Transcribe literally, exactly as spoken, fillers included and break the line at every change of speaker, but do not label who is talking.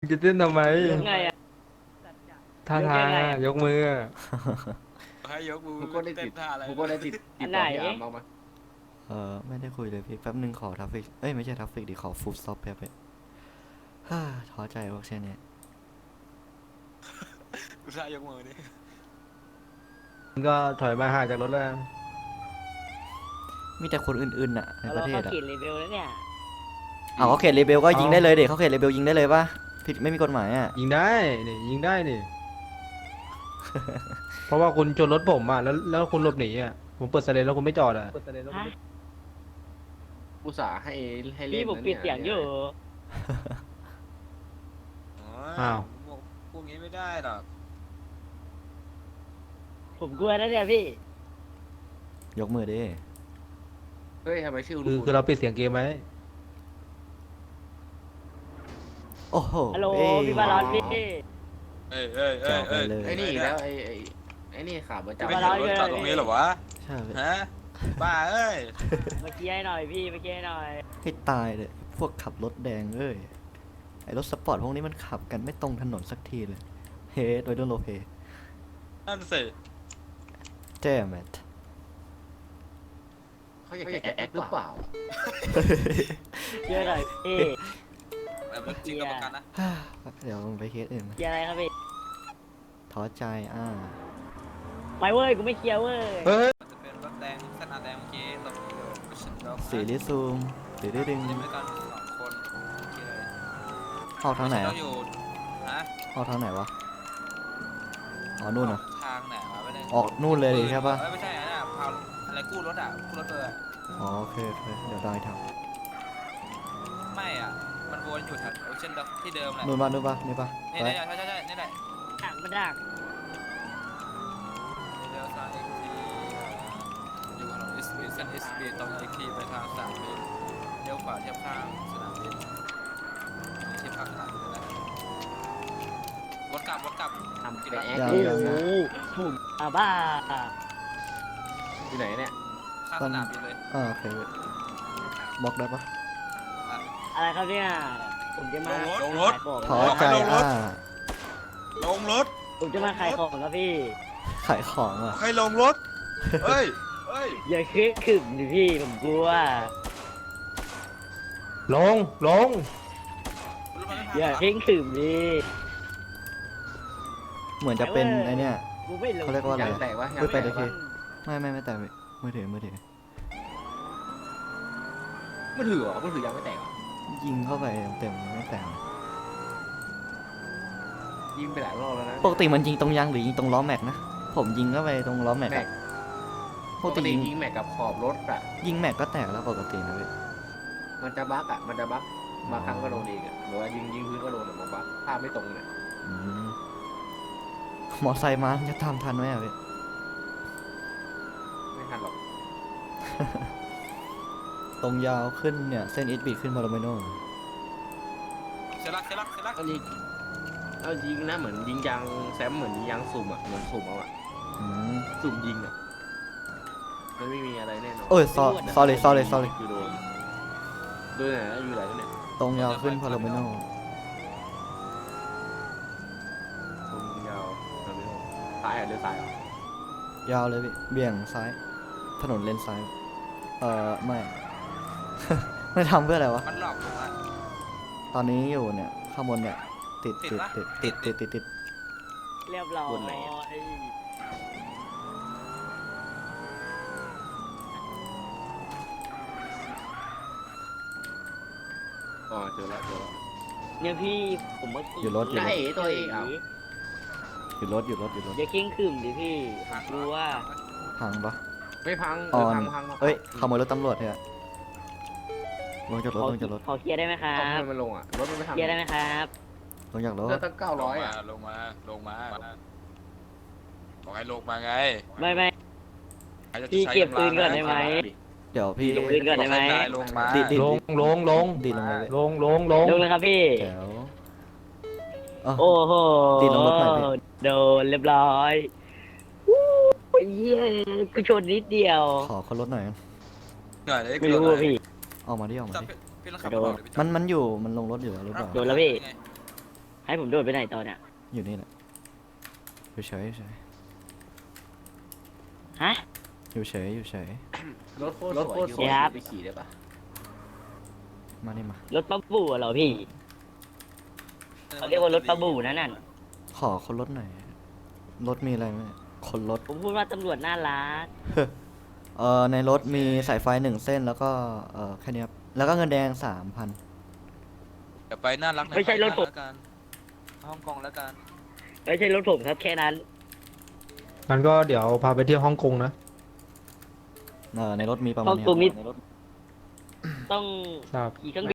จะเต้นทำไม
ยังไงอะ
ท่าทางอะยกมืออะ
ให้ยกมือ
กูก็ได้ติด
เต้นท่าอะไร
กูก็ได้ติดติดต่อพี่อาร์มบ้างไหม
เออไม่ได้คุยเลยพี่แป๊บนึงขอทัฟฟิกเอ้ยไม่ใช่ทัฟฟิกดิขอฟูดสต็อปแป๊บเดียวฮ่าท้อใจพวกเช่นนี้
กูท่ายกมือนี่
มันก็ถอยมาห่างจากรถแล้ว
มีแต่คนอื่นๆน่ะในประ
เรา
เท
เข้า
ศอ่ะ
ขีดรีวิวแล้วเนี่ย
เอาเขาเขตเลเบลก็ยิงได้เลยเด็กเขาเขตเลเบลยิงได้เลยปะผิดไม่มีกฎหมายอ่ะ
ยิงได้นี่ยิงได้นี่ เพราะว่าคุณชนรถผมอ่ะแล้วแล้วคุณหลบหนีอ่ะผมเปิดไซเรนแล้วคุณไม่จอดอ่ะ
ฮะ
อุตส่าห์ให้ให้เล่
พี่
น
ผม
นะ
ปิดเสียงอยู่
อ้าว
พวกนี้ไม่ได้หรอก
ผมกลัวนะเนี่ยพี่
ยกมือดิ
เฮ้ยทำไมชื่อ
คือ
คุณ
คือเราปิดเสียงเกมไหม
โอ้โห
ฮัลโหล
เอ้ย
พี่บาลอนพี่
เอ้ยเอ้ยเอ้
แจ๋
ยว
ไป
เอ้ย
เลย
ไอ้นี่อีกแล้วไอ้ไอ้ไอ้นี่ขาประ
จะ
จำ
ไม่เห็นรถจอดตรงนี้เหรอวะ
ใช่พี่
ฮะบ้าเอ้ย
เมื่อกี้ให้หน่อยพี่เมื่อกี้ให้หน่อย
ให้ตายเลยพวกขับรถแดงเอ้ยไอรถสปอร์ตพวกนี้มันขับกันไม่ตรงถนนสักทีเลยเฮ้โดยโดนโลเพ
นั่นสิ
แจ้แมท
เขาอยากจะแอคหรือเปล่า
เชื่อหน่อยพี่
แบบจริงกับประกันนะ
เดี๋ยวไปเคสอื่นมา
เคลียร์อะไรครับพี่
ท้อใจอ่า
ไม่เว้ยกูไม่เคลียร์เว้ย
เฮ้ย
มันจะเป็นรถแดงเส้นอาแดงเมื่อกี้ตรงนี้อยู่ฉันลอง
สีลิซูมสีลิดึง
จะไม่กันสองคนโอเคเลย
ออกทางไหน
ต้
อ่ะ
องอยู่ฮะ
ออกทางไหนวะอ๋อนู่นเหรอ
ทางไหนวะไม่ได้
ออกนู่นเลยดิใช่ปะ
ไม่ใช่นะพาวอะไรกู้รถอ่ะกู้รถเลยอะ
อ๋อโอเคโอเคเดี๋ยวได้ท
ไม่อ่ะมันวนอยู่แถวโอเชียนด็อกที่เดิมแหละ
ำนู่นปะนู่นปะนี่ปะ
นี่
ไป
ใช่ใช่ใช่ใช่นี่แหละ
ดักมันดัก
เลี้ยวซ้ายอีกทีอยู่ถนนเอสบีเส้นเอสบีตรงอีกทีไปทางสนามบินเลี้ยวขวาเทียบข้างสนามบินเทียบข้างสนามบินนะวนกลับวนกลับ
ทำเป็นแอค
ยัง
โอ้
ยัง
โห
นะ
ถูกอ่ะบ้า
อยู่ไหนเนี่ย
ข้างสนามบินเลย
อ่าโอเคบล็อกได้ปะ
อะไรครับเนี่ยผมจะมา
ลงรถ
ขายของ
ท้อใจอ่า
ลงรถ
ผมจะมาขายของครับพี่
ขายของอ่ะ
ใครลงรถเฮ้ยเฮ้ย
อย่าคิดขึ้นดิพี่ผมกลัว
ลงลง
อย่าคิดขึ้นดิ
เหมือนจะเป็นไอเนี้ย
กูไม่รู้
เขาเรียกว่าอะไร
ยางแตกวะ
พูดไป
ยาง
เล
แต
ย
ก
พี่
วะ
ไม่ไม่ไม่แต่มือถือมือถือ
มือถือเหรอมือถือยางไม่แตกเหรอ
ยิงเข้าไปเต็มๆไม่แตก
ยิงไปหลายรอบแล้วนะ
ปกติมันยิงตรงยางหรือยิงตรงล้อแม็กนะผมยิงเข้าไปตรงล้อแม็ก
แม็
อะ
ก
ป
ป
ก
ก
ติ
ติ
ยิง
ยิงแม็กกับขอบรถอะ
ยิงแม็กก็แตกแล้วปกตินะพี่
มันจะบั๊กอะมันจะบั๊กบางครั้งก็โดนเองอะหรือว่ายิงยิงพื้นก็โดนอะบางบั๊กภาพไม่ตรงเนี่ย
อืมมอไซค์มาจะทำทันไหมอะพี่
ไม่ทันหรอก
ตรงยาวขึ้นเนี่ยเส้นอิทบีขึ้นมาโรเมโน
เสลักเสลักเสลัก
เอายิงเอายิงนะเหมือนยิงยางแซมเหมือนยิงยางสุ่มอะเหมือนสุ่มเอาอะ
อืม
สุ่มยิงอะมันไม่มีอะไรแน่นอน
โอ้ย sorry sorry sorry sorry
คือโดนโดนไหนนะอยู่ไหนเนี่ย
ตรงยาวขึ้นพาโรเมโน
ตรงยาวทำไม่ถูกซ้ายอ่ะเลี้ยวซ้ายเหรอย
าวเลยพี่เบี่ยงซ้าย ถนนเลนซ้าย เอ่อไม่ ไม่ทำเพื่ออะไรวะ
มันหลอกผมอ่ะ
ตอนนี้อยู่เนี่ยข้างบนเนี่ย ติด
ติ
ติ
ด
ด
ปะ
ติดติดติดติดติด
เรียบร้อย
อ๋อเจอแล้วเจอแล้ว
เนี่ยพี่ผมเมื่อกี้
อยู่รถอยู่
ได้
รถ
เอ๋ตัวเองเอา
อยู่รถอยู่รถอยู่รถ
อย่าคิงขึ้นดิพี่ผมกลัว
พังปะ
ไม่พัง
อ
เอ
อ
อน พังพัง
เอ้ยขโมยรถตำรวจเนี่ยลงจากรถ
ขอ
ลงจากรถ
ขอเคลียร์ได้ไหมครั
เอา
บ
ทำไมมันลงอ่ะรถมันไม่ทำ
เคลียร์ได้ไหมครับ
ลงจากรถ
เลือดตั้งเก้า
ล
ร้อง ย
มา
อ่ะ
ลงมาลงมาบอกให้ลงมาไง
ไม่ไม่
ใครจะ
พี่
ใช้
เก็บปืน
ำลัง
ก่อนได้ไหม
เดี๋ยวพี่
เก็บปืนก่อนได้ไหม
บอกให้ลงมา
ดิดิ
ลงลงลง
ดีลงเลย
ลงลงลง
ลงเลยครับพี่
เดี๋ยวอ๋อ
โอ้โห
ตีลงรถหน่อยพี่
โดนเรียบร้อยวู้ยเย้กูชนนิดเดียว
ขอคนรถหน่อย
เหนื่อยเลย
ไม่รู้อะพี่
ออกมาดิออกมา
จับ
ดิ
พี่ต้องขับ
โดน
ก่อเดี๋ยวพี่จับ
มันมันอยู่มันลงรถอยู่แล้วหรือเปล่า
โดนแล้วพี่ให้ผมโดดไปไหนตอนเนี่ย
อยู่นี่แหละอยู่เฉยอยู่เฉย
ฮะ
อยู่เฉยอยู่เฉย
รถโคตรสวย
สวยครับ
ไปขี่ได้ปะ
มานี่มาร
ถป้าบู่เหรอพี่เขาเรียกว่ารถป้าบู่นั่นน่ะ
ขอคนรถหน่อยรถมีอะไรไหมคนรถ
ผมพูดว่าตำรวจน่ารัก
เอ่อในรถมีสายไฟหนึ่งเส้นแล้วก็เอ่อแค่นี้ครับแล้วก็เงินแดงสามพัน
เดี๋ยวไปน่ารักใน
ไม่ใช่รถผม
แล้วกันฮ่องกงแล้วกัน
ไม่ใช่รถผมครับแค่นั้น
งั้นก็เดี๋ยวพาไปเที่ยวฮ่องกงนะ
เออในรถมีประมาณ
ฮ่อง
นี้
กงนี่
ในรถ
ต้อง
ทราบ
ขี่เครื่อง